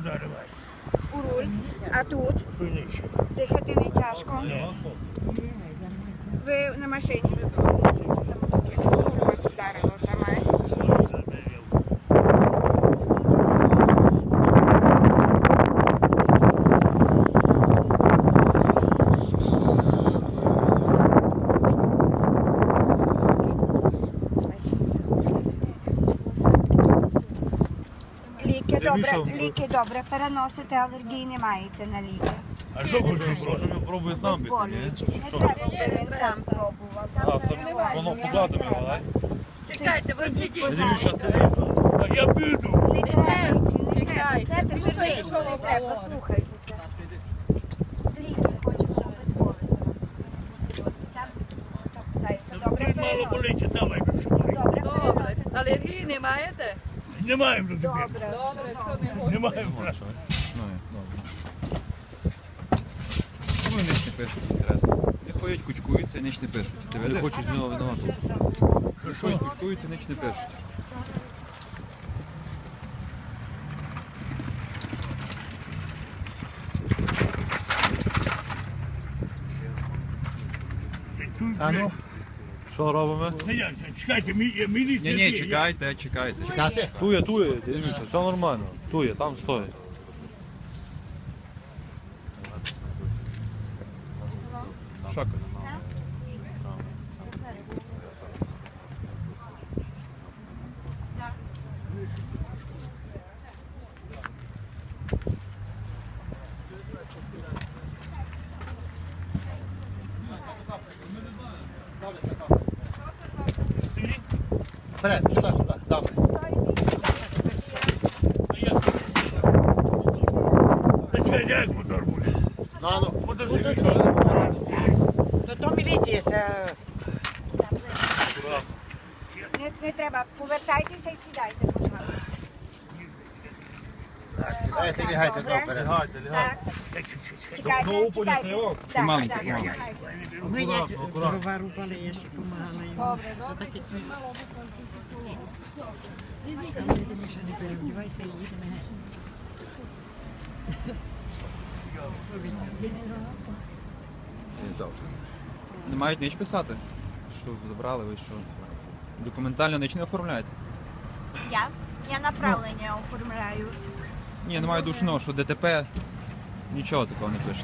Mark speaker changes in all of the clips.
Speaker 1: вдаривай.
Speaker 2: У руль. А тут?
Speaker 1: Пильніше.
Speaker 2: Дихати не тяжко. Ви на машині? Вас вдарило, тамай. Ліки добре переносите, алергії не маєте на ліки.
Speaker 1: А що хочеш?
Speaker 3: Може він пробує сам піти, ні?
Speaker 2: Безболюючі. Не треба, аби він сам пробував. Там перебуває.
Speaker 3: Воно погладимо його, дай.
Speaker 4: Чекайте, ви сидіть.
Speaker 3: Він зараз сидить.
Speaker 1: А я піду.
Speaker 2: Не треба, не треба.
Speaker 4: Чекайте.
Speaker 2: Це тепер нічого не треба, слухайтеся. Ліки хочемо безболити. Там, хто питається, добре
Speaker 1: Ти мало
Speaker 2: переносите.
Speaker 1: болить, давай більше болить.
Speaker 2: Добре
Speaker 4: Добре.
Speaker 2: переносите.
Speaker 4: Алергії не маєте?
Speaker 1: Не маємо до тебе.
Speaker 2: Добре.
Speaker 4: Добре, хто не хоче.
Speaker 1: Не маємо.
Speaker 3: Ну, добре. Ну і ніч не пишуть, інтересно. Не ходять, кучкуються і ніч не пишуть. Я хочу з нього виносити. Ходять, кучкуються, ніч не пишуть.
Speaker 1: А ну?
Speaker 3: Що робимо?
Speaker 1: Чекайте, міліція.
Speaker 3: Ні,
Speaker 1: є.
Speaker 3: чекайте. Чекайте. Тує, дивіться, все нормально. Тує, там стоїть. Шака.
Speaker 5: Вперед, сюди, давай.
Speaker 1: Чекай, як мотор буде?
Speaker 5: Ну.
Speaker 1: Мотоцикл.
Speaker 6: То міліція,
Speaker 2: Не треба, повертайтеся і сідайте, будь ласка.
Speaker 5: Так, сідайте, лягайте,
Speaker 2: Добре.
Speaker 5: добре.
Speaker 3: Лягайте.
Speaker 2: Так, чекайте, чекайте. Так,
Speaker 3: Маленький,
Speaker 2: так,
Speaker 3: маленький.
Speaker 2: чекайте.
Speaker 6: ми як дрова рубали, я ще допомагала їм.
Speaker 4: Добре,
Speaker 6: То
Speaker 4: добре.
Speaker 6: так і стоїть. Але ти Миша, не перевдівайся і їдемо геть.
Speaker 3: Не мають ніч писати? Що забрали ви, що? Документально ніч не оформляєте?
Speaker 2: Я направлення оформляю.
Speaker 3: Ні, немає душного, що ДТП, нічого такого не пишете.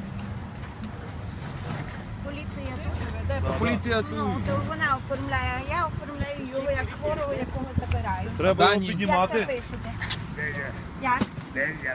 Speaker 2: Поліція теж.
Speaker 3: Поліція
Speaker 2: Ну, то вона оформляє, а я оформляю його як хворого, якого забираю.
Speaker 3: Треба Дані.
Speaker 2: Як це
Speaker 3: піднімати.
Speaker 2: пишете? Як?
Speaker 1: Де я?